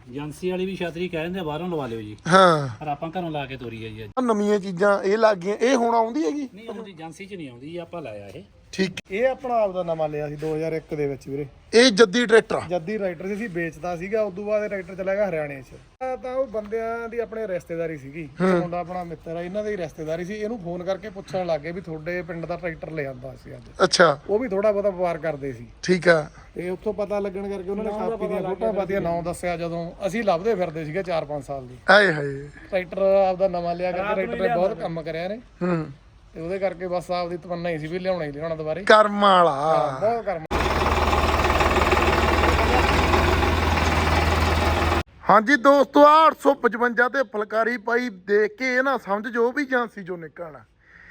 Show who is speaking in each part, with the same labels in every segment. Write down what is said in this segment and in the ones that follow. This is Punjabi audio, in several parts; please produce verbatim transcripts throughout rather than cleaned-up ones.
Speaker 1: ਏਜੰਸੀ ਵਾਲੀ ਵੀ ਛਤਰੀ ਕਹਿ ਦਿੰਦੇ ਬਾਹਰੋਂ ਲਵਾ ਲਿਓ ਜੀ,
Speaker 2: ਹਾਂ
Speaker 1: ਪਰ ਆਪਾਂ ਘਰੋਂ ਲਾ ਕੇ ਤੋਰੀ ਹੈ ਜੀ ਅੱਜ।
Speaker 2: ਨਵੀਆਂ ਚੀਜ਼ਾਂ ਇਹ ਲੱਗ ਗਈਆਂ, ਇਹ ਹੁਣ ਆਉਂਦੀ ਹੈਗੀ
Speaker 1: ਨਹੀਂ ਆਉਂਦੀ ਏਜੰਸੀ 'ਚ ਨਹੀਂ ਆਉਂਦੀ, ਆਪਾਂ ਲਾਇਆ ਇਹ।
Speaker 2: ਠੀਕ।
Speaker 3: ਇਹ ਆਪਣਾ ਆਪ ਦਾ ਨਵਾਂ ਲਿਆ ਸੀ ਦੋ ਹਜ਼ਾਰ ਇੱਕ ਦੇ ਵਿੱਚ ਵੀਰੇ।
Speaker 2: ਇਹ ਜੱਦੀ ਟਰੈਕਟਰ
Speaker 3: ਜੱਦੀ ਰਾਈਟਰ ਸੀ, ਵੇਚਦਾ ਸੀਗਾ। ਉਦੋਂ ਬਾਅਦ ਇਹ ਟਰੈਕਟਰ ਚਲਾ ਗਿਆ ਹਰਿਆਣੇ 'ਚ। ਤਾਂ ਤਾਂ ਉਹ ਬੰਦਿਆਂ ਦੀ ਆਪਣੇ ਰਿਸ਼ਤੇਦਾਰੀ ਸੀਗੀ, ਮੁੰਡਾ ਆਪਣਾ ਮਿੱਤਰ ਆ, ਇਹਨਾਂ ਦੀ ਰਿਸ਼ਤੇਦਾਰੀ ਸੀ। ਇਹਨੂੰ ਫੋਨ ਕਰਕੇ ਪੁੱਛਣ ਲੱਗੇ ਵੀ ਤੁਹਾਡੇ ਪਿੰਡ ਦਾ ਟਰੈਕਟਰ ਲੈ ਆਂਦਾ ਸੀ ਅੱਜ।
Speaker 2: ਅੱਛਾ
Speaker 3: ਉਹ ਵੀ ਥੋੜਾ ਬਹੁਤਾ ਵਪਾਰ ਕਰਦੇ ਸੀ।
Speaker 2: ਠੀਕ ਆ।
Speaker 3: ਤੇ ਉੱਥੋਂ ਪਤਾ ਲੱਗਣ ਕਰਕੇ ਉਹਨਾਂ ਨੇ ਕਾਪੀ ਦੀਆਂ ਫੋਟੋਆਂ ਪਾਤੀਆਂ, ਨਾਂ ਦੱਸਿਆ। ਜਦੋਂ ਅਸੀਂ ਲੱਭਦੇ ਫਿਰਦੇ ਸੀਗੇ ਚਾਰ ਪੰਜ ਸਾਲ ਦੀ,
Speaker 2: ਆਏ ਹਾਏ।
Speaker 3: ਟਰੈਕਟਰ ਆਪਦਾ ਨਵਾਂ ਲਿਆ ਕਰਕੇ ਟਰੈਕਟਰ ਨੇ ਬਹੁਤ ਕੰਮ ਕਰਿਆ ਨੇ।
Speaker 2: ਹੂੰ।
Speaker 3: ਤੇ ਉਹਦੇ ਕਰਕੇ ਬਸ ਆਪਦੀ ਤਮੰਨਾ ਹੀ ਸੀ ਵੀ ਲਿਆਉਣਾ ਹੀ ਲਿਆਉਣਾ ਦੁਬਾਰੇ।
Speaker 2: ਕਰਮ ਵਾਲਾ
Speaker 3: ਬਹੁਤ ਕਰਮ।
Speaker 2: ਹਾਂਜੀ ਦੋਸਤੋ, ਆਹ ਅੱਠ ਸੌ ਪਚਵੰਜਾ ਤੇ ਫੁਲਕਾਰੀ ਪਾਈ ਦੇਖ ਕੇ ਇਹ ਨਾ ਸਮਝ ਜੋ ਵੀ ਏਜੰਸੀ ਚੋਂ ਨਿਕਲਣਾ।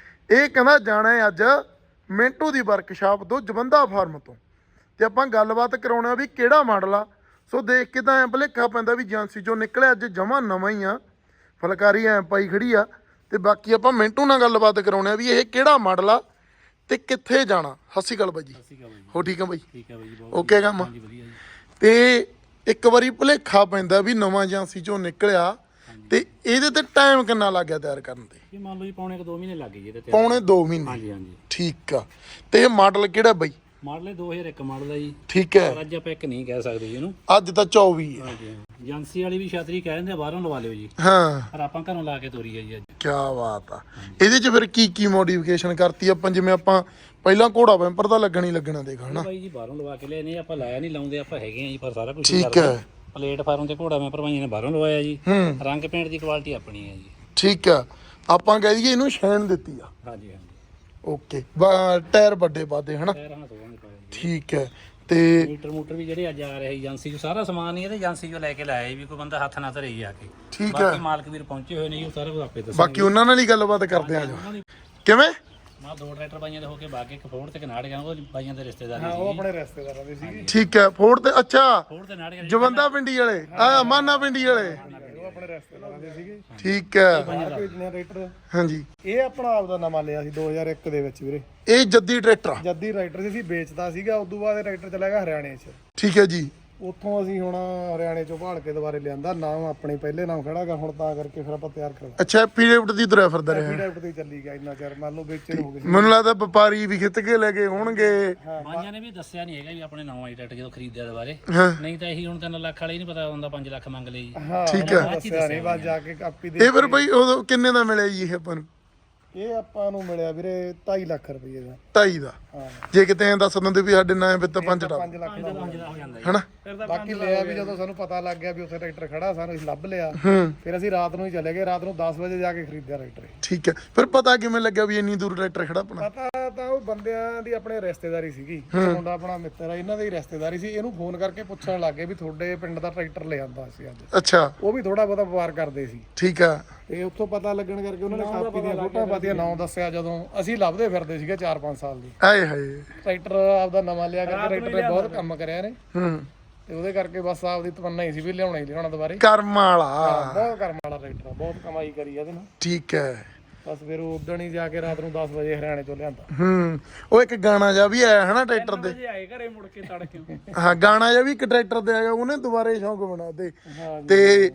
Speaker 2: ਇਹ ਕਹਿੰਦਾ ਜਾਣਾ ਹੈ ਅੱਜ ਮਿੰਟੂ ਦੀ ਵਰਕਸ਼ਾਪ ਤੋਂ, ਜਵੰਦਾ ਫਾਰਮ ਤੋਂ, ਤੇ ਆਪਾਂ ਗੱਲਬਾਤ ਕਰਾਉਣਾ ਵੀ ਕਿਹੜਾ ਮਾਡਲ ਆ। ਸੋ ਦੇਖ ਕੇ ਤਾਂ ਐਂ ਭੁਲੇਖਾ ਪੈਂਦਾ ਵੀ ਏਜੰਸੀ ਚੋਂ ਨਿਕਲਿਆ, ਅੱਜ ਜਮਾਂ ਨਵਾਂ ਹੀ ਆ। ਫੁਲਕਾਰੀ ਐਂ ਪਾਈ ਖੜੀ ਆ। ਤੇ ਬਾਕੀ ਆਪਾਂ ਮਿੰਟੂ ਨਾਲ ਗੱਲਬਾਤ ਕਰਾਉਣੇ ਆ ਵੀ ਇਹ ਕਿਹੜਾ ਮਾਡਲ ਆ ਤੇ ਕਿੱਥੇ ਜਾਣਾ। ਸਤਿ ਸ਼੍ਰੀ ਅਕਾਲ ਬਾਈ ਜੀ। ਹੋ ਠੀਕ ਆ ਬਾਈ?
Speaker 1: ਠੀਕ ਹੈ ਬਾਈ ਜੀ, ਬਹੁਤ
Speaker 2: ਓਕੇ ਕੰਮ।
Speaker 1: ਹਾਂਜੀ ਵਧੀਆ ਜੀ।
Speaker 2: ਤੇ ਇੱਕ ਵਾਰੀ ਭੁਲੇਖਾ ਪੈਂਦਾ ਵੀ ਨਵਾਂ ਏਜੰਸੀ ਚੋਂ ਨਿਕਲਿਆ, ਤੇ ਇਹਦੇ ਤੇ ਟਾਈਮ ਕਿੰਨਾ ਲੱਗ ਗਿਆ ਤਿਆਰ ਕਰਨ ਤੇ?
Speaker 1: ਇਹ ਮੰਨ ਲਓ ਜੀ ਪੌਣੇ ਕੁ ਦੋ ਮਹੀਨੇ ਲੱਗ ਗਏ ਜੀ ਇਹਦੇ ਤੇ।
Speaker 2: ਪੌਣੇ ਦੋ ਮਹੀਨੇ।
Speaker 1: ਹਾਂਜੀ ਹਾਂਜੀ।
Speaker 2: ਠੀਕ ਆ। ਤੇ ਇਹ ਮਾਡਲ ਕਿਹੜਾ ਬਾਈ?
Speaker 1: ਮਾਡਲ ਇਹ ਦੋ ਹਜ਼ਾਰ ਇੱਕ ਮਾਡਲ ਹੈ ਜੀ,
Speaker 2: ਠੀਕ ਹੈ।
Speaker 1: ਪਰ ਅੱਜ ਆਪਾਂ ਇੱਕ ਨਹੀਂ ਕਹਿ ਸਕਦੇ ਜੀ ਇਹਨੂੰ।
Speaker 2: ਅੱਜ ਤਾਂ ਚੌਵੀ ਹੈ।
Speaker 1: ਹਾਂਜੀ ਹਾਂ। ਏਜੰਸੀ ਵਾਲੀ ਵੀ ਛਤਰੀ ਕਹਿ ਦਿੰਦੇ ਬਾਹਰੋਂ ਲਵਾ ਲਿਓ ਜੀ,
Speaker 2: ਹਾਂ
Speaker 1: ਪਰ ਆਪਾਂ ਘਰੋਂ ਲਾ ਕੇ ਤੋਰੀ ਹੈ ਜੀ ਅੱਜ।
Speaker 2: ਕੀ ਬਾਤ ਆ। ਇਹਦੇ ਚ ਫਿਰ ਕੀ ਕੀ ਮੋਡੀਫਿਕੇਸ਼ਨ ਕਰਤੀ ਆਪਾਂ? ਜਿਵੇਂ ਆਪਾਂ ਪਹਿਲਾਂ ਘੋੜਾ ਵੈਂਪਰ ਦਾ ਲੱਗਣ ਹੀ ਲੱਗਣਾ ਦੇਖ ਹਨਾ
Speaker 1: ਬਾਈ ਜੀ, ਬਾਹਰੋਂ ਲਵਾ ਕੇ ਲਿਆ ਨਹੀਂ, ਆਪਾਂ ਲਾਇਆ ਨਹੀਂ, ਲਾਉਂਦੇ ਆਪਾਂ ਹੈਗੇ ਆ ਜੀ, ਪਰ ਸਾਰਾ ਕੁਝ
Speaker 2: ਠੀਕ ਹੈ।
Speaker 1: ਪਲੇਟਫਾਰਮ ਤੇ ਘੋੜਾ ਮੈਂ ਭਰਵਾਈਆਂ ਨੇ ਬਾਹਰੋਂ ਲਵਾਇਆ ਜੀ।
Speaker 2: ਹੂੰ।
Speaker 1: ਰੰਗ ਪੇਂਟ ਦੀ ਕੁਆਲਿਟੀ ਆਪਣੀ ਹੈ ਜੀ।
Speaker 2: ਠੀਕ ਆ। ਆਪਾਂ ਕਹਿ ਦਈਏ ਇਹਨੂੰ ਸ਼ੈਨ ਦਿੱਤੀ ਆ।
Speaker 1: ਹਾਂਜੀ ਹਾਂਜੀ।
Speaker 2: ਓਕੇ। ਟਾਇਰ ਵੱਡੇ ਪਾਦੇ ਹਨਾ।
Speaker 1: ਟਾਇਰ ਹਾਂ ਦੋਵਾਂ ਦੇ ਪਾਏ ਜੀ।
Speaker 2: ਠੀਕ ਹੈ। ਤੇ
Speaker 1: ਮੀਟਰ ਮੂਟਰ ਵੀ ਜਿਹੜੇ ਅੱਜ ਆ ਰਹੇ ਏਜੰਸੀ ਚੋਂ ਸਾਰਾ ਸਮਾਨ ਹੀ ਇਹਦੇ ਏਜੰਸੀ ਚੋਂ ਲੈ ਕੇ ਲਾਇਆ ਵੀ, ਕੋਈ ਬੰਦਾ ਹੱਥ ਨਾ ਧਰੇ ਜੀ ਆ ਕੇ।
Speaker 2: ਠੀਕ ਹੈ।
Speaker 1: ਬਾਕੀ ਮਾਲਕ ਵੀਰ ਪਹੁੰਚੇ ਹੋਏ ਨੇ ਜੀ, ਉਹ ਸਾਰਾ ਕੁਝ ਆਪੇ ਦੱਸਣਗੇ।
Speaker 2: ਬਾਕੀ ਉਹਨਾਂ ਨਾਲ ਹੀ ਗੱਲਬਾਤ ਕਰਦੇ ਆ ਜਾ। ਕਿਵੇਂ?
Speaker 1: ਮੈਂ ਦੋ ਟਰੈਕਟਰ ਬਾਈਆਂ ਦੇ ਹੋ ਕੇ ਬਾਗੇ ਇੱਕ ਫੋੜ ਤੇ ਕਨਾੜ ਗਿਆ, ਉਹ ਬਾਈਆਂ ਦੇ ਰਿਸ਼ਤੇਦਾਰ
Speaker 3: ਹਾਂ,
Speaker 1: ਸੀ।
Speaker 3: ਉਹ ਆਪਣੇ ਰਿਸ਼ਤੇਦਾਰਾਂ ਦੇ ਸੀਗੇ।
Speaker 2: ਠੀਕ ਹੈ। ਫੋੜ ਤੇ ਅੱਛਾ
Speaker 1: ਫੋੜ ਤੇ ਨਾੜ ਗਿਆ
Speaker 2: ਜਵੰਦਾ ਪਿੰਡੀ ਵਾਲੇ, ਆ ਮਾਨਾ ਪਿੰਡੀ ਵਾਲੇ।
Speaker 3: ਉਹ ਆਪਣੇ ਰਿਸ਼ਤੇਦਾਰਾਂ ਦੇ ਸੀਗੇ।
Speaker 2: ਠੀਕ ਹੈ।
Speaker 3: ਬਾਹਰ ਭੇਜਣੇ ਰਾਈਟਰ।
Speaker 2: ਹਾਂਜੀ।
Speaker 3: ਇਹ ਆਪਣਾ ਆਪ ਦਾ ਨਵਾਂ ਲਿਆ ਸੀ ਦੋ ਹਜ਼ਾਰ ਇੱਕ ਦੇ ਵਿੱਚ ਵੀਰੇ।
Speaker 2: ਇਹ ਜੱਦੀ ਟਰੈਕਟਰ ਆ।
Speaker 3: ਜੱਦੀ ਰਾਈਟਰ ਸੀ, ਵੇਚਦਾ ਸੀਗਾ। ਉਦੋਂ ਬਾਅਦ ਇਹ ਰਾਈਟਰ ਚਲਾ ਗਿਆ ਹਰਿਆਣੇ 'ਚ।
Speaker 2: ਠੀਕ ਹੈ ਜੀ।
Speaker 3: ਉੱਥੋਂ ਅਸੀਂ ਹੁਣ ਹਰਿਆਣੇ ਚੋਂ ਭਾਲ ਕੇ ਦੁਬਾਰੇ ਲਿਆਂਦਾ। ਨਾਮ ਆਪਣੇ ਪਹਿਲੇ ਨਾਮ ਖੜਾਗਾ ਹੁਣ, ਤਾਂ ਕਰਕੇ ਫਿਰ ਆਪਾਂ ਤਿਆਰ ਕਰਵਾ
Speaker 2: ਅੱਛਾ ਪੀਰੀਅਡ ਦੀ ਤੁਰਿਆ ਫਿਰਦਾ ਰਿਹਾ।
Speaker 3: ਪੀਡੀਐਫ ਤੇ ਚੱਲੀ ਗਿਆ ਇੰਨਾ ਚਿਰ, ਮੰਨ ਲਓ ਵੇਚਣ ਹੋ ਗਏ ਸੀ।
Speaker 2: ਮੈਨੂੰ ਲੱਗਦਾ ਵਪਾਰੀ ਵੀ ਖਿੱਚ ਕੇ ਲੈ ਕੇ ਹੋਣਗੇ।
Speaker 1: ਬਾਈਆਂ ਨੇ ਵੀ ਦੱਸਿਆ ਨਹੀਂ ਹੈਗਾ ਵੀ ਆਪਣੇ ਨਵਾਂ ਟਰੈਕਟਰ ਜਦੋਂ ਖਰੀਦਿਆ ਦੁਬਾਰੇ,
Speaker 2: ਹਾਂ
Speaker 1: ਨਹੀਂ ਤਾਂ ਇਹੀ ਹੁਣ ਤਿੰਨ ਲੱਖ ਵਾਲੇ ਹੀ ਨਹੀਂ ਪਤਾ ਹੁੰਦਾ, ਪੰਜ ਲੱਖ ਮੰਗ ਲਏ ਜੀ।
Speaker 3: ਹਾਂ
Speaker 2: ਠੀਕ ਹੈ।
Speaker 3: ਦੱਸਿਆ ਨਹੀਂ, ਬਸ ਜਾ ਕੇ ਕਾਪੀ ਦੇ।
Speaker 2: ਇਹ ਫਿਰ ਬਈ ਉਦੋਂ ਕਿੰਨੇ ਦਾ ਮਿਲਿਆ ਜੀ ਇਹ ਆਪਾਂ ਨੂੰ?
Speaker 3: ਇਹ ਆਪਾਂ ਨੂੰ ਮਿਲਿਆ ਵੀਰੇ ਢਾਈ ਲੱਖ ਰੁਪਏ ਦਾ।
Speaker 2: ਢਾਈ ਦਾ।
Speaker 3: ਹਾਂ,
Speaker 2: ਜੇ ਕਿਤੇ ਐਂ ਦੱਸ ਦਿੰਦੇ ਵੀ ਸਾਡੇ ਨਾਂ ਵਿੱਚ ਤਾਂ ਪੰਜ ਦਾ
Speaker 3: ਪੰਜ ਲੱਖ ਦਾ
Speaker 1: ਪੰਜ ਦਾ ਹੋ ਜਾਂਦਾ ਜੀ।
Speaker 2: ਹਨਾ।
Speaker 3: ਬਾਕੀ ਲਿਆ ਵੀ ਜਦੋਂ ਸਾਨੂੰ ਪਤਾ ਲੱਗ ਗਿਆ ਵੀ ਉੱਥੇ ਟਰੈਕਟਰ ਖੜਾ, ਸਾਨੂੰ ਅਸੀਂ ਲੱਭ ਲਿਆ।
Speaker 2: ਹੂੰ।
Speaker 3: ਫਿਰ ਅਸੀਂ ਰਾਤ ਨੂੰ ਹੀ ਚਲੇ ਗਏ, ਰਾਤ ਨੂੰ ਦਸ ਵਜੇ ਜਾ ਕੇ ਖਰੀਦਿਆ ਰਾਈਟਰ।
Speaker 2: ਠੀਕ ਹੈ। ਫਿਰ ਪਤਾ ਕਿਵੇਂ ਲੱਗਿਆ ਵੀ ਇੰਨੀ ਦੂਰ ਟਰੈਕਟਰ ਖੜਾ ਆਪਣਾ?
Speaker 3: ਪਤਾ ਤਾਂ ਉਹ ਬੰਦਿਆਂ ਦੀ ਆਪਣੇ ਰਿਸ਼ਤੇਦਾਰੀ ਸੀਗੀ, ਮੁੰਡਾ ਆਪਣਾ ਮਿੱਤਰ ਆ, ਇਹਨਾਂ ਦੀ ਰਿਸ਼ਤੇਦਾਰੀ ਸੀ। ਇਹਨੂੰ ਫੋਨ ਕਰਕੇ ਪੁੱਛਣ ਲੱਗੇ ਵੀ ਤੁਹਾਡੇ ਪਿੰਡ ਦਾ ਟਰੈਕਟਰ ਲੈ ਆਂਦਾ ਸੀ ਅੱਜ।
Speaker 2: ਅੱਛਾ
Speaker 3: ਉਹ ਵੀ ਥੋੜਾ ਬਹੁਤਾ ਵਪਾਰ ਕਰਦੇ ਸੀ।
Speaker 2: ਠੀਕ ਆ।
Speaker 3: ਤੇ ਉੱਥੋਂ ਪਤਾ ਲੱਗਣ ਕਰਕੇ ਉਹਨਾਂ ਨੇ ਕਾਪੀ ਦੀਆਂ ਫੋਟੋਆਂ ਪਾਤੀਆਂ, ਨਾਂ ਦੱਸਿਆ। ਜਦੋਂ ਅਸੀਂ ਲੱਭਦੇ ਫਿਰਦੇ ਸੀਗੇ ਚਾਰ ਪੰਜ ਸਾਲ ਦੀ,
Speaker 2: ਆਏ ਹਾਏ।
Speaker 3: ਟਰੈਕਟਰ ਆਪਦਾ ਨਵਾਂ ਲਿਆ ਕਰਕੇ ਟਰੈਕਟਰ ਨੇ ਬਹੁਤ ਕੰਮ ਕਰਿਆ ਨੇ।
Speaker 2: ਹੂੰ।
Speaker 3: ਤੇ ਉਹਦੇ ਕਰਕੇ ਬਸ ਆਪਦੀ ਤਮੰਨਾ ਹੀ ਸੀ ਵੀ ਲਿਆਉਣਾ ਹੀ ਲਿਆਉਣਾ ਦੁਬਾਰੇ।
Speaker 2: ਕਰਮ ਵਾਲਾ।
Speaker 3: ਬਹੁਤ ਕਰਮ ਵਾਲਾ ਟਰੈਕਟਰ ਆ, ਬਹੁਤ ਕਮਾਈ ਕਰੀ ਇਹਦੇ ਨਾਲ।
Speaker 2: ਠੀਕ ਹੈ।
Speaker 3: ਬਸ ਫਿਰ ਉਦਣ ਹੀ ਜਾ ਕੇ ਰਾਤ ਨੂੰ ਦਸ ਵਜੇ ਹਰਿਆਣੇ ਤੋਂ ਲਿਆਂਦਾ।
Speaker 2: ਹੂੰ। ਉਹ ਇੱਕ ਗਾਣਾ ਜਿਹਾ ਵੀ ਆਇਆ ਹਨਾ ਟਰੈਕਟਰ ਦੇ।
Speaker 1: ਆਏ ਘਰੇ ਮੁੜ ਕੇ ਤੜਕੇ।
Speaker 2: ਹਾਂ ਗਾਣਾ ਜਿਹਾ ਵੀ ਇੱਕ ਟਰੈਕਟਰ ਦੇ ਆਇਆ, ਉਹਨੇ ਦੁਬਾਰੇ ਸ਼ੌਂਕ ਬਣਾ ਦੇ।
Speaker 3: ਹਾਂ
Speaker 2: ਤੇ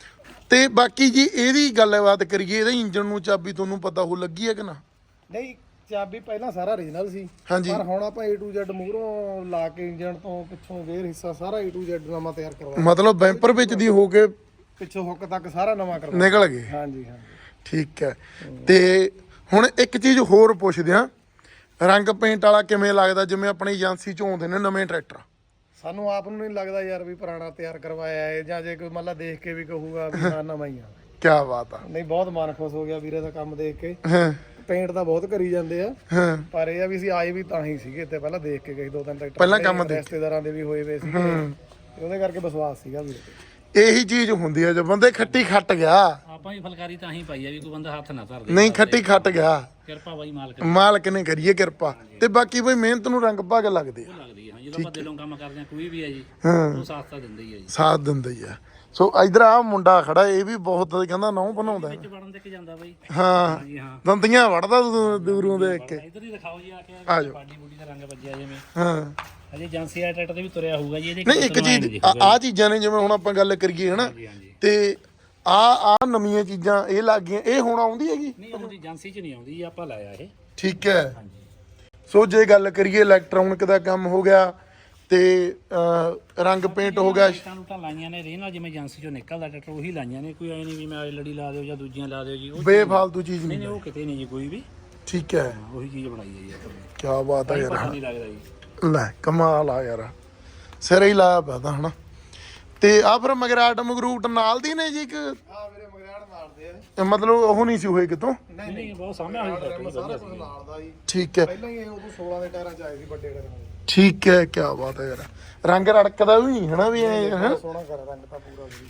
Speaker 2: ਤੇ ਬਾਕੀ ਜੀ ਇਹਦੀ ਗੱਲਬਾਤ ਕਰੀਏ, ਇਹਦੇ ਇੰਜਨ ਨੂੰ ਚਾਬੀ ਤੁਹਾਨੂੰ ਪਤਾ ਹੋ ਲੱਗੀ ਹੈ ਕਿ ਨਾ?
Speaker 3: ਨਹੀਂ, ਚਾਬੀ ਪਹਿਲਾਂ ਸਾਰਾ ਓਰੀਜਨਲ ਸੀ,
Speaker 2: ਹਾਂਜੀ।
Speaker 3: ਪਰ ਹੁਣ ਆਪਾਂ A to Z ਮੂਹਰੋਂ ਲਾ ਕੇ ਇੰਜਨ ਤੋਂ ਪਿੱਛੋਂ ਗੇਅਰ ਹਿੱਸਾ ਸਾਰਾ A to Z ਨਵਾਂ ਤਿਆਰ ਕਰਵਾਇਆ।
Speaker 2: ਮਤਲਬ ਬੈਂਪਰ ਵਿੱਚ ਦੀ ਹੋ ਕੇ
Speaker 3: ਪਿੱਛੋਂ ਹੁੱਕ ਤੱਕ ਸਾਰਾ ਨਵਾਂ ਕਰਵਾਇਆ।
Speaker 2: ਨਿਕਲ ਗਏ।
Speaker 3: ਹਾਂਜੀ ਹਾਂਜੀ।
Speaker 2: ਠੀਕ ਹੈ। ਤੇ ਹੁਣ ਇੱਕ ਚੀਜ਼ ਹੋਰ ਪੁੱਛਦੇ ਆ, ਰੰਗ ਪੇਂਟ ਵਾਲਾ ਕਿਵੇਂ ਲੱਗਦਾ? ਜਿਵੇਂ ਆਪਣੀ ਏਜੰਸੀ ਚੋਂ ਆਉਂਦੇ ਨੇ ਨਵੇਂ ਟਰੈਕਟਰ,
Speaker 3: ਸਾਨੂੰ ਆਪ ਨੂੰ ਨਹੀਂ ਲੱਗਦਾ ਯਾਰ ਵੀ ਪੁਰਾਣਾ ਤਿਆਰ ਕਰਵਾਇਆ ਹੈ, ਜਾਂ ਜੇ ਕੋਈ ਮਤਲਬ ਦੇਖ ਕੇ ਵੀ ਕਹੂਗਾ ਵੀ ਹਾਂ ਨਵਾਂ ਹੀ ਆ।
Speaker 2: ਕੀ ਬਾਤ ਆ।
Speaker 3: ਨਹੀਂ, ਬਹੁਤ ਮਨ ਖੁਸ਼ ਹੋ ਗਿਆ ਵੀਰੇ ਦਾ ਕੰਮ ਦੇਖ ਕੇ।
Speaker 2: ਹਾਂ
Speaker 3: ਪੇਂਟ ਤਾਂ ਬਹੁਤ ਕਰੀ ਜਾਂਦੇ ਆ,
Speaker 2: ਹਾਂ।
Speaker 3: ਪਰ ਇਹ ਆ ਵੀ ਅਸੀਂ ਆਏ ਵੀ ਤਾਂ ਹੀ ਸੀਗੇ ਤੇ ਪਹਿਲਾਂ ਦੇਖ ਕੇ ਗਏ ਦੋ ਤਿੰਨ ਟਰੈਕਟਰ
Speaker 2: ਪਹਿਲਾਂ ਕੰਮ ਦੇਖ
Speaker 3: ਰਿਸ਼ਤੇਦਾਰਾਂ ਦੇ ਵੀ ਹੋਏ ਵੇ ਸੀਗੇ, ਤੇ ਉਹਦੇ ਕਰਕੇ ਵਿਸ਼ਵਾਸ ਸੀਗਾ ਵੀਰੇ ਤੇ।
Speaker 2: ਇਹੀ ਚੀਜ਼ ਹੁੰਦੀ ਹੈ, ਜੋ ਬੰਦੇ ਖੱਟੀ ਖੱਟ ਗਿਆ।
Speaker 1: ਆਪਾਂ ਹੀ ਫੁਲਕਾਰੀ ਤਾਂ ਹੀ ਪਾਈ ਆ ਵੀ ਕੋਈ ਬੰਦਾ ਹੱਥ ਨਾ ਧਰਦੇ।
Speaker 2: ਨਹੀਂ ਖੱਟੀ ਖੱਟ ਗਿਆ,
Speaker 1: ਕਿਰਪਾ ਬਾਈ ਮਾਲਕ
Speaker 2: ਮਾਲਕ ਨੇ ਕਰੀਏ ਕਿਰਪਾ। ਤੇ ਬਾਕੀ ਬਈ ਮਿਹਨਤ ਨੂੰ ਰੰਗ ਭਾਗ ਲੱਗਦੇ ਆ।
Speaker 1: ਲੱਗਦੀ ਹੈ ਜਦੋਂ ਆਪਾਂ ਦਿਲੋਂ ਕੰਮ ਕਰਦੇ ਆ, ਕੋਈ ਵੀ ਹੈ ਜੀ
Speaker 2: ਹਾਂ
Speaker 1: ਉਹ ਸਾਥ ਤਾਂ ਦਿੰਦਾ ਹੀ ਹੈ ਜੀ।
Speaker 2: ਸਾਥ ਦਿੰਦਾ ਹੀ ਆ। ਸੋ ਇਧਰ ਆ ਮੁੰਡਾ ਖੜਾ, ਇਹ ਵੀ ਬਹੁਤ ਕਹਿੰਦਾ ਨਹੁੰ ਬਣਾਉਂਦਾ।
Speaker 1: ਵਿੱਚ ਵੜਨ ਦੇ ਕੇ ਜਾਂਦਾ ਬਾਈ।
Speaker 2: ਹਾਂ
Speaker 1: ਹਾਂਜੀ ਹਾਂ।
Speaker 2: ਦੰਦੀਆਂ ਵੜਦਾ ਦੂ- ਦੂਰੋਂ ਦੇਖ ਕੇ।
Speaker 1: ਇੱਧਰ ਹੀ ਦਿਖਾਓ ਜੀ ਆ ਕੇ
Speaker 2: ਆ ਜਾਓ।
Speaker 1: ਪਾਡੀ ਬੂਡੀ ਦਾ ਰੰਗ ਵੱਜਿਆ ਜਿਵੇਂ।
Speaker 2: ਹਾਂ
Speaker 1: ਅਜੇ ਏਜੰਸੀ ਵਾਲੇ ਟਰੈਕਟਰ ਤੇ ਵੀ ਤੁਰਿਆ ਹੋਊਗਾ ਜੀ ਇਹਦੇ
Speaker 2: ਨਹੀਂ ਇੱਕ ਚੀਜ਼ ਆ ਚੀਜ਼ਾਂ ਨੇ ਜਿਵੇਂ ਹੁਣ ਆਪਾਂ ਗੱਲ ਕਰੀਏ ਹਨਾ
Speaker 1: ਹਾਂਜੀ ਹਾਂਜੀ
Speaker 2: ਤੇ ਆ ਆ ਨਵੀਆਂ ਚੀਜ਼ਾਂ ਇਹ ਲੱਗ ਗਈਆਂ ਇਹ ਹੁਣ ਆਉਂਦੀ ਹੈਗੀ
Speaker 1: ਨਹੀਂ ਆਉਂਦੀ ਏਜੰਸੀ 'ਚ ਨਹੀਂ ਆਉਂਦੀ ਆਪਾਂ ਲਾਇਆ ਇਹ
Speaker 2: ਠੀਕ ਹੈ
Speaker 1: ਹਾਂਜੀ
Speaker 2: ਸੋ ਜੇ ਗੱਲ ਕਰੀਏ ਇਲੈਕਟ੍ਰੋਨਿਕ ਦਾ ਕੰਮ ਹੋ ਗਿਆ ਤੇ ਅਹ, ਰੰਗ ਪੇਂਟ ਹੋ ਗਿਆ
Speaker 1: ਲਾਈਟਾਂ ਲੂਟਾਂ ਲਾਈਆਂ ਨੇ ਰੇ ਨਾਲ ਜਿਵੇਂ ਏਜੰਸੀ 'ਚੋਂ ਨਿਕਲਦਾ ਟਰੈਕਟਰ ਉਹੀ ਲਾਈਆਂ ਨੇ ਕੋਈ ਐ ਨਹੀਂ ਵੀ ਮੈਂ ਲੜੀ ਲਾ ਦਿਓ ਜਾਂ ਦੂਜੀਆਂ ਲਾ ਦਿਓ ਜੀ ਉਹ
Speaker 2: ਬੇਫਾਲਤੂ ਚੀਜ਼
Speaker 1: ਨਹੀਂ
Speaker 2: ਨਹੀਂ
Speaker 1: ਨਹੀਂ ਉਹ ਕਿਤੇ ਨਹੀਂ ਜੀ ਕੋਈ ਵੀ
Speaker 2: ਠੀਕ ਹੈ
Speaker 1: ਹਾਂ, ਉਹੀ ਚੀਜ਼ ਬਣਾਈ ਹੈ ਜੀ ਆਪਾਂ ਨੇ।
Speaker 2: ਕੀ ਬਾਤ ਹੈ
Speaker 1: ਪਤਾ
Speaker 2: ਯਾਰ
Speaker 1: ਨਹੀਂ ਲੱਗਦਾ ਜੀ
Speaker 2: ਲੈ ਕਮਾਲ ਆ ਯਾਰ ਸਿਰੇ ਹੀ ਲਾਇਆ ਪਿਆ ਤਾਂ ਹਨਾ ਤੇ ਆ ਫਿਰ ਮਗਰਾਟ ਮਗਰੂਟ ਨਾਲ ਦੀ ਨੇ ਜੀ ਇੱਕ
Speaker 3: ਆ ਵੀਰੇ ਮਗਰਾੜ ਮਾਰਦੇ ਆ
Speaker 2: ਇਹ ਮਤਲਬ ਉਹ ਨਹੀਂ ਸੀ ਹੋਏ ਕਿਤੋਂ
Speaker 1: ਨਹੀਂ ਨਹੀਂ ਬਹੁਤ ਸਾਹਮਣੇ ਆਈ ਟਰੈਕਟਰ
Speaker 3: ਸਾਰਾ ਕੁਝ ਨਾਲ ਦਾ ਜੀ
Speaker 2: ਠੀਕ ਹੈ
Speaker 3: ਪਹਿਲਾਂ ਹੀ ਇਹ ਉਦੋਂ ਸੋਲਾਂ ਦੇ ਟਾਇਰਾਂ ਚ ਆਏ ਸੀ ਵੱਡੇ ਟਾਇਰਾਂ ਦੇ
Speaker 2: ਠੀਕ ਹੈ ਕੀ ਬਾਤ ਹੈ ਯਾਰ ਰੰਗ ਰੜਕਦਾ ਵੀ ਨਹੀਂ ਹਨਾ ਵੀ ਐ ਹਨਾ
Speaker 3: ਸੋਹਣਾ ਕਰ ਰੰਗ ਤਾਂ ਪੂਰਾ ਜੀ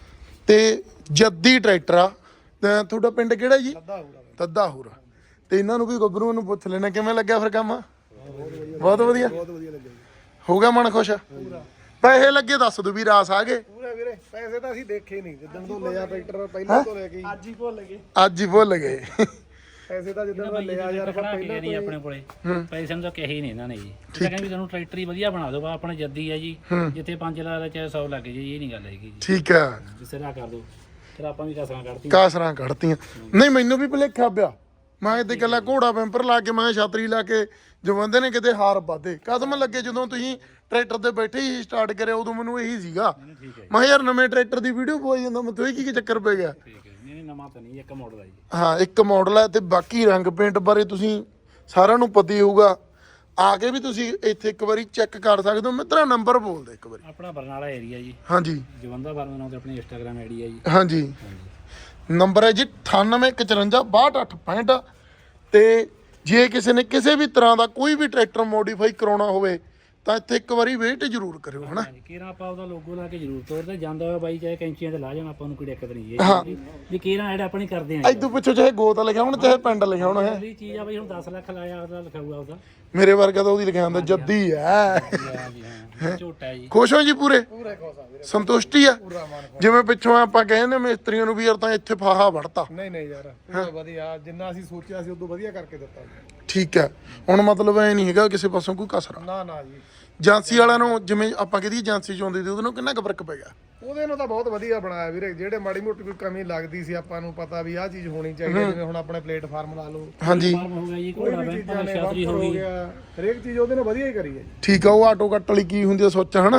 Speaker 2: ਤੇ ਜੱਦੀ ਟਰੈਕਟਰ ਆ ਤੇ ਤੁਹਾਡਾ ਪਿੰਡ ਕਿਹੜਾ ਜੀ
Speaker 3: ਲੱਦਾ ਹੋਊਗਾ
Speaker 2: ਤੱਦਾ ਹੂਰਾ ਤੇ ਇਹਨਾਂ ਨੂੰ ਵੀ ਗੱਭਰੂ ਨੂੰ ਪੁੱਛ ਲੈਣਾ ਕਿਵੇਂ ਲੱਗਿਆ ਫਿਰ ਕੰਮ ਬਹੁਤ ਵਧੀਆ
Speaker 3: ਬਹੁਤ ਵਧੀਆ ਲੱਗਿਆ ਜੀ
Speaker 2: ਹੋ ਗਿਆ ਮਨ ਖੁਸ਼ ਪੈਸੇ ਲੱਗੇ ਦੱਸ ਦੋ ਵੀ ਰਾਸ ਆ ਗਏ
Speaker 3: ਪੂਰਾ ਵੀਰੇ ਪੈਸੇ ਤਾਂ ਅਸੀਂ ਦੇਖੇ ਨਹੀਂ ਜਿੱਦਣ ਤੋਂ ਲਿਆ ਟਰੈਕਟਰ ਪਹਿਲਾਂ ਤੋਂ ਲੈ ਕੇ ਅੱਜ ਹੀ ਭੁੱਲ ਗਏ
Speaker 2: ਅੱਜ ਹੀ ਭੁੱਲ ਗਏ
Speaker 3: ਪੈਸੇ ਤਾਂ ਜਿੱਦਣ ਦਾ ਲਿਆ ਯਾਰ ਆਪਾਂ ਪਹਿਲਾਂ
Speaker 1: ਨਹੀਂ ਆਪਣੇ ਕੋਲੇ ਪੈਸੇ ਨੂੰ ਤਾਂ ਕਹੇ ਹੀ ਨਹੀਂ ਇਹਨਾਂ ਨੇ ਜੀ ਇਹ ਤਾਂ ਕਹਿੰਦੇ ਵੀ ਤੁਹਾਨੂੰ ਟਰੈਕਟਰ ਹੀ ਵਧੀਆ ਬਣਾ ਦਿਓ ਆਪਣੇ ਜੱਦੀ ਹੈ ਜੀ ਜਿੱਥੇ ਪੰਜ ਲੱਖ ਚਾਹੇ ਸੌ ਲੱਗ ਜੇ ਇਹ ਨਹੀਂ ਗੱਲ ਹੈਗੀ ਜੀ
Speaker 2: ਠੀਕ ਹੈ
Speaker 1: ਜਿਸੇ ਦਾ ਕਰ ਦਿਓ ਫਿਰ ਆਪਾਂ ਵੀ ਕਸਰਾਂ ਕੱਢਤੀ
Speaker 2: ਕਾਸਰਾਂ ਕੱਢਤੀਆਂ ਨਹੀਂ ਮੈਨੂੰ ਵੀ ਭੁਲੇਖਾ ਪਿਆ ਮੈਂ ਤੇ ਕੱਲਾ ਘੋੜਾ ਬੈਂਪਰ ਲਾ ਕੇ ਮੈਂ ਛਾਤਰੀ ਲਾ ਕੇ ਜੋ ਬੰਦੇ ਨੇ ਕਿਤੇ ਹਾਰ ਪਾਦੇ ਕਦਮ ਲੱਗੇ ਜਦੋਂ ਤੁਸੀਂ ਟਰੈਕਟਰ ਤੇ ਬੈਠੇ ਹੀ ਸਟਾਰਟ ਕਰਿਆ ਉਦੋਂ ਮੈਨੂੰ ਇਹੀ ਸੀਗਾ
Speaker 1: ਠੀਕ ਹੈ
Speaker 2: ਮੈਂ ਕਿਹਾ ਯਾਰ ਨਵੇਂ ਟਰੈਕਟਰ ਦੀ ਵੀਡੀਓ ਪਵਾਈ ਜਾਂਦਾ ਮੈਂ ਤੋਂ ਇਹ ਕੀ ਚੱਕਰ ਪੈ ਗਿਆ
Speaker 1: ਠੀਕ ਹੈ ਨਹੀਂ ਨਹੀਂ ਨਵਾਂ ਤਾਂ ਨਹੀਂ ਇੱਕ ਮਾਡਲ ਹੈ ਜੀ
Speaker 2: ਹਾਂ ਇੱਕ ਮਾਡਲ ਹੈ ਤੇ ਬਾਕੀ ਰੰਗ ਪੇਂਟ ਬਾਰੇ ਤੁਸੀਂ ਸਾਰਿਆਂ ਨੂੰ ਪਤਾ ਹੀ ਹੋਊਗਾ ਆ ਕੇ ਵੀ ਤੁਸੀਂ ਇੱਥੇ ਇੱਕ ਵਾਰੀ ਚੈੱਕ ਕਰ ਸਕਦੇ ਹੋ ਮਿੱਤਰਾ ਨੰਬਰ ਬੋਲ ਦੇ ਇੱਕ ਵਾਰੀ
Speaker 1: ਆਪਣਾ ਬਰਨਾਲਾ ਏਰੀਆ ਜੀ
Speaker 2: ਹਾਂਜੀ
Speaker 1: ਜਵੰਦਾ ਫਾਰਮ ਨਾਮ ਤੇ ਆਪਣੀ ਇੰਸਟਾਗ੍ਰਾਮ ਆਈਡੀ ਹੈ ਜੀ
Speaker 2: ਹਾਂਜੀ ਨੰਬਰ ਹੈ ਜੀ ਅਠਾਨਵੇਂ ਇੱਕ ਚੁਰੰਜਾ ਬਾਹਠ ਅੱਠ ਪੈਂਹਠ ਤੇ ਜੇ ਕਿਸੇ ਨੇ ਕਿਸੇ ਵੀ ਤਰ੍ਹਾਂ ਦਾ ਕੋਈ ਵੀ ਟਰੈਕਟਰ ਮੋਡੀਫਾਈ ਕਰਾਉਣਾ ਹੋਵੇ ਤਾਂ ਇੱਥੇ ਇੱਕ ਵਾਰੀ ਵੇਟ ਜ਼ਰੂਰ ਕਰਿਓ ਹਨਾ
Speaker 1: ਹਾਂਜੀ ਕੀਰਾ ਆਪਾਂ ਉਹਦਾ ਲੋਗੋ ਲਾ ਕੇ ਜ਼ਰੂਰ ਤੋੜਦੇ ਜਾਂਦਾ ਹੋਇਆ ਬਾਈ ਚਾਹੇ ਕੈਂਚੀਆਂ ਤੇ ਲਾ ਜਾਣਾ ਆਪਾਂ ਨੂੰ ਕੋਈ ਦਿੱਕਤ ਨਹੀਂ ਹੈ ਵੀ ਕੀਰਾ ਐਡ ਆਪਣੀ ਕਰਦੇ ਆਂ
Speaker 2: ਇਦੋਂ ਪਿੱਛੋਂ ਚਾਹੇ ਗੋਤ ਲਿਖਿਆ ਹੋਣਾ ਚਾਹੇ ਪਿੰਡ ਲਿਖਿਆ ਹੋਣਾ ਹੈ
Speaker 1: ਅਗਲੀ ਚੀਜ਼ ਆ ਬਈ ਹੁਣ ਦਸ ਲੱਖ ਲਾਇਆ ਉਹਦਾ ਲਿਖਾਊਗਾ ਉਹਦਾ
Speaker 2: ਮੇਰੇ ਵਰਗਾ ਤਾਂ ਉਹਦੀ ਲਿਖਿਆ ਹੁੰਦਾ ਜੱਦੀ ਹੈ
Speaker 1: ਹਾਂਜੀ ਹਾਂ ਝੋਟਾ ਹੈ ਜੀ
Speaker 2: ਖੁਸ਼ ਹੋ ਜੀ ਪੂਰੇ
Speaker 3: ਪੂਰੇ ਖੁਸ਼ ਆ ਵੀਰੇ
Speaker 2: ਸੰਤੁਸ਼ਟੀ ਆ
Speaker 3: ਪੂਰਾ ਮਨ ਖੁਸ਼
Speaker 2: ਜਿਵੇਂ ਪਿੱਛੋਂ ਆਪਾਂ ਕਹਿੰਦੇ ਮਿਸਤਰੀਆਂ ਨੂੰ ਵੀ ਯਾਰ ਤਾਂ ਇੱਥੇ ਫਾਹਾ ਵੜਤਾ
Speaker 3: ਨਹੀਂ ਨਹੀਂ ਯਾਰ ਪੂਰਾ ਵਧੀਆ ਜਿੰਨਾ ਅਸੀਂ ਸੋਚਿਆ ਸੀ ਉਦੋਂ ਵਧੀਆ ਕਰਕੇ ਦਿੱਤਾ ਜੀ
Speaker 2: ਠੀਕ ਹੈ ਹੁਣ ਮਤਲਬ ਐ ਨਹੀਂ ਹੈਗਾ ਕਿਸੇ ਪਾਸੋਂ ਕੋਈ ਕਸਰ
Speaker 3: ਨਾ ਨਾ ਜੀ
Speaker 2: ਏਜੰਸੀ ਵਾਲਿਆਂ ਨੂੰ ਜਿਵੇਂ ਆਪਾਂ ਕਹਦੀ ਏਜੰਸੀ ਚ ਆਉਂਦੀ ਸੀ ਉਹਦੇ ਨੂੰ ਕਿੰਨਾ ਕੁ ਫਰਕ ਪੈ ਗਿਆ
Speaker 3: ਉਹਦੇ ਨੂੰ ਤਾਂ ਬਹੁਤ ਵਧੀਆ ਬਣਾਇਆ ਵੀਰੇ ਜਿਹੜੇ ਮਾੜੀ ਮੋਟੀ ਕੋਈ ਕਮੀ ਲੱਗਦੀ ਸੀ ਆਪਾਂ ਨੂੰ ਪਤਾ ਵੀ ਆਹ ਚੀਜ਼ ਹੋਣੀ ਚਾਹੀਦੀ ਹੈ, ਜਿਵੇਂ ਹੁਣ ਆਪਣੇ ਪਲੇਟਫਾਰਮ ਲਾ ਲਓ
Speaker 2: ਹਾਂਜੀ
Speaker 1: ਫਾਰਮ ਹੋ ਗਿਆ ਜੀ
Speaker 3: ਕੋਈ
Speaker 1: ਘੋੜਾ
Speaker 3: ਵੀ
Speaker 1: ਬੈਂਕ
Speaker 3: ਚੀਜ਼ਾਂ ਨੇ
Speaker 1: ਛਾਤਰੀ ਹੋ
Speaker 3: ਹੋ
Speaker 1: ਗਈ
Speaker 3: ਗਿਆ ਹਰੇਕ ਚੀਜ਼ ਉਹਦੇ ਨਾਲ ਵਧੀਆ ਹੀ ਕਰੀ ਹੈ ਜੀ
Speaker 2: ਠੀਕ ਆ ਉਹ ਆਟੋ ਕੱਟ ਵਾਲੀ ਕੀ ਹੁੰਦੀ ਆ ਸੋਚ ਹਨਾ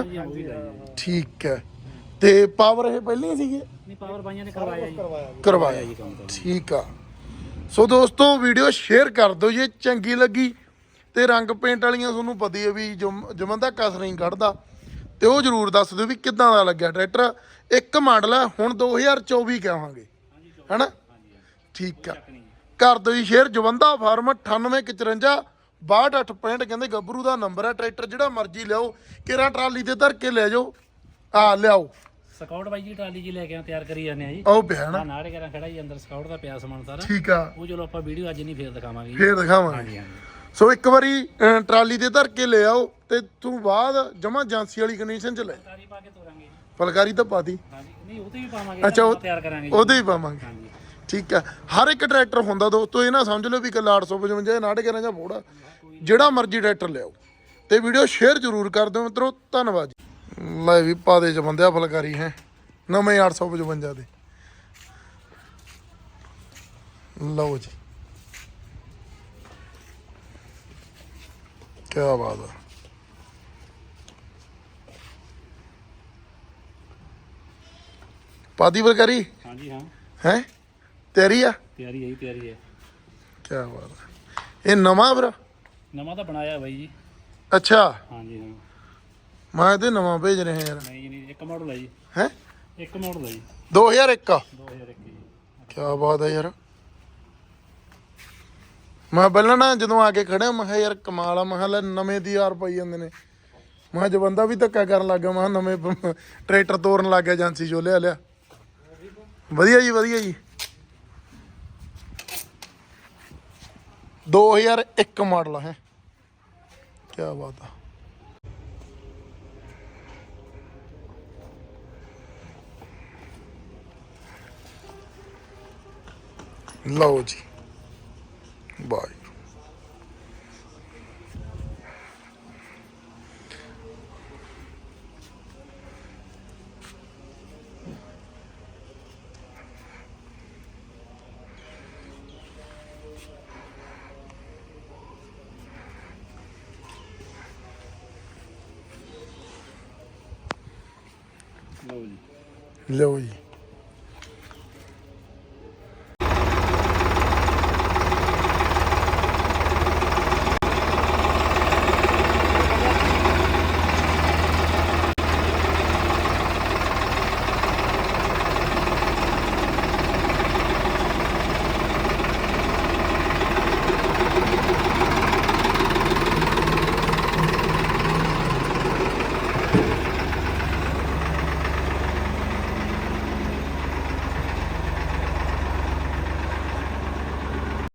Speaker 2: ਠੀਕ ਹੈ ਤੇ ਪਾਵਰ ਇਹ ਪਹਿਲਾਂ ਹੀ ਸੀਗੇ
Speaker 1: ਨਹੀਂ ਪਾਵਰ ਬਾਈਆਂ ਨੇ ਕਰਵਾਇਆ ਜੀ
Speaker 3: ਕਰਵਾਇਆ ਜੀ
Speaker 2: ਕਰਵਾਇਆ
Speaker 1: ਜੀ ਕੰਮ ਤਾਂ
Speaker 2: ਠੀਕ ਆ ਸੋ ਦੋਸਤੋ ਵੀਡੀਓ ਸ਼ੇਅਰ ਕਰ ਦਿਓ ਜੇ ਚੰਗੀ ਲੱਗੀ ਤੇ ਰੰਗ ਪੇਂਟ ਵਾਲੀਆਂ ਤੁਹਾਨੂੰ ਪਤਾ ਹੀ ਹੈ ਵੀ ਜਮੰਦਾ ਕਸ ਨਹੀਂ ਕੱਢਦਾ ਤੇ ਉਹ ਜਰੂਰ ਦੱਸ ਦਿਓ ਵੀ ਕਿੱਦਾਂ ਦਾ ਲੱਗਿਆ ਟਰੈਕਟਰ ਇੱਕ ਮਾਡਲ ਹੈ ਹੁਣ ਦੋ ਹਜ਼ਾਰ ਚੌਵੀ ਕਹਾਂਗੇ ਹੈਨਾ ਠੀਕ ਆ ਕਰ ਦਿਓ ਜੀ ਸ਼ੇਅਰ ਜਵੰਦਾ ਫਾਰਮ ਅਠਾਨਵੇਂ ਇੱਕ ਚੁਰੰਜਾ ਬਾਹਠ ਅੱਠ ਪੈਂਹਠ ਕਹਿੰਦੇ ਗੱਭਰੂ ਦਾ ਨੰਬਰ ਹੈ ਟਰੈਕਟਰ ਜਿਹੜਾ ਮਰਜ਼ੀ ਲਿਆਓ ਕਿਹੜਾ ਟਰਾਲੀ ਤੇ ਧਰ ਕੇ ਲੈ ਜਾਓ ਆ ਲਿਆਓ
Speaker 1: ਸਕਾਊਟ ਬਾਈ ਜੀ ਟਰਾਲੀ ਜੀ ਲੈ ਕੇ ਆ ਤਿਆਰ ਕਰੀ ਜਾਂਦੇ ਆ ਜੀ
Speaker 2: ਉਹ ਪਿਆ ਨਾ
Speaker 1: ਆ ਨਾੜੇ ਕਰਾਂ ਖੜਾ ਜੀ ਅੰਦਰ ਸਕਾਊਟ ਦਾ ਪਿਆ ਸਮਾਨ ਸਾਰਾ
Speaker 2: ਠੀਕ ਆ
Speaker 1: ਉਹ ਚਲੋ ਆਪਾਂ ਵੀਡੀਓ ਅੱਜ ਨਹੀਂ ਫੇਰ ਦਿਖਾਵਾਂਗੇ ਜੀ
Speaker 2: ਫੇਰ ਦਿਖਾਵਾਂਗੇ
Speaker 1: ਹਾਂਜੀ ਹਾਂਜੀ
Speaker 2: ਸੋ ਇੱਕ ਵਾਰੀ ਅਹ, ਟਰਾਲੀ ਤੇ ਧਰ ਕੇ ਲੈ ਆਓ ਤੇ ਤੂੰ ਬਾਅਦ ਜਮਾ ਏਜੰਸੀ ਵਾਲੀ ਕੰਡੀਸ਼ਨ ਚ ਲੈ
Speaker 1: ਤਾਰੀ ਪਾ ਕੇ ਤੋਰਾਂਗੇ ਜੀ
Speaker 2: ਫਲਕਾਰੀ ਤਾਂ ਪਾਤੀ
Speaker 1: ਹਾਂਜੀ ਨਹੀਂ ਉਹ ਤੇ ਵੀ ਪਾਵਾਂਗੇ
Speaker 2: ਅੱਛਾ, ਉਹ-
Speaker 1: ਆਪਾਂ ਤਿਆਰ ਕਰਾਂਗੇ ਜੀ
Speaker 2: ਉਹਦੇ ਹੀ ਪਾਵਾਂਗੇ
Speaker 1: ਹਾਂਜੀ
Speaker 2: ਠੀਕ ਆ ਹਰ ਇੱਕ ਟਰੈਕਟਰ ਹੁੰਦਾ ਦੋਸਤੋ ਇਹ ਨਾ ਸਮਝ ਲਓ ਵੀ ਕੱਲਾ ਅੱਠ ਸੌ ਪਚਵੰਜਾ ਨਾੜ ਕੇ ਜਾਂ ਫੋੜਾ ਜਿਹੜਾ ਮਰਜ਼ੀ ਟਰੈਕਟਰ ਲਿਆਓ ਤੇ ਵੀਡੀਓ ਸ਼ੇਅਰ ਜ਼ਰੂਰ ਕਰ ਦਿਓ ਮਿੱਤਰੋ ਧੰਨਵਾਦ ਜੀ ਲੈ ਵੀ ਪਾ ਦੇ ਚ ਬੰਦਿਆ ਫਲਕਾਰੀ ਹੈ ਨਵੇਂ ਅੱਠ ਸੌ ਪਚਵੰਜਾ ਦੇ ਲਓ ਜੀ ਕੀ ਬਾਤ ਆ ਪਾਦੀ ਫਲਕਾਰੀ
Speaker 1: ਹਾਂਜੀ ਹਾਂ
Speaker 2: ਹੈ ਤੇਰੀ ਆ
Speaker 1: ਤਿਆਰੀ ਹੈ ਜੀ ਤਿਆਰੀ ਹੈ
Speaker 2: ਕੀ ਬਾਤ ਆ ਇਹ ਨਵਾਂ ਵੀਰ
Speaker 1: ਨਵਾਂ ਤਾਂ ਬਣਾਇਆ ਬਾਈ ਜੀ
Speaker 2: ਅੱਛਾ
Speaker 1: ਹਾਂਜੀ ਹਾਂ
Speaker 2: ਮੈਂ ਤੇ ਨਵਾਂ ਭੇਜ ਰਿਹਾ ਯਾਰ
Speaker 1: ਨਹੀਂ ਜੀ ਨਹੀਂ ਇੱਕ ਮਾਡਲ ਹੈ ਜੀ
Speaker 2: ਹੈ
Speaker 1: ਇੱਕ ਮਾਡਲ ਹੈ ਜੀ
Speaker 2: ਦੋ ਹਜ਼ਾਰ ਇੱਕ
Speaker 1: ਦੋ ਹਜ਼ਾਰ ਇੱਕੀ ਜੀ
Speaker 2: ਕੀ ਬਾਤ ਹੈ ਯਾਰ ਮੈਂ ਪਹਿਲਾਂ ਨਾ ਜਦੋਂ ਆ ਕੇ ਖੜਿਆ ਮੈਂ ਕਿਹਾ ਯਾਰ ਕਮਾਲ ਆ ਮੈਂ ਕਿਹਾ ਲੈ ਨਵੇਂ ਦੀ ਯਾਰ ਪਾਈ ਜਾਂਦੇ ਨੇ ਮੈਂ ਕਿਹਾ ਜਵੰਦਾ ਵੀ ਧੱਕਾ ਕਰਨ ਲੱਗ ਗਿਆ ਮੈਂ ਕਿਹਾ ਨਵੇਂ ਪ- ਟਰੈਕਟਰ ਤੋਰਨ ਲੱਗ ਗਿਆ ਏਜੰਸੀ ਚੋਂ ਲਿਆ ਲਿਆ ਵਧੀਆ ਜੀ ਵਧੀਆ ਜੀ ਦੋ ਹਜ਼ਾਰ ਇੱਕ ਮਾਡਲ ਹੈ ਕੀ ਬਾਤ ਆ ਲਓ ਜੀ ਬਾਈ
Speaker 1: ਲਓ ਜੀ
Speaker 2: ਲਓ ਜੀ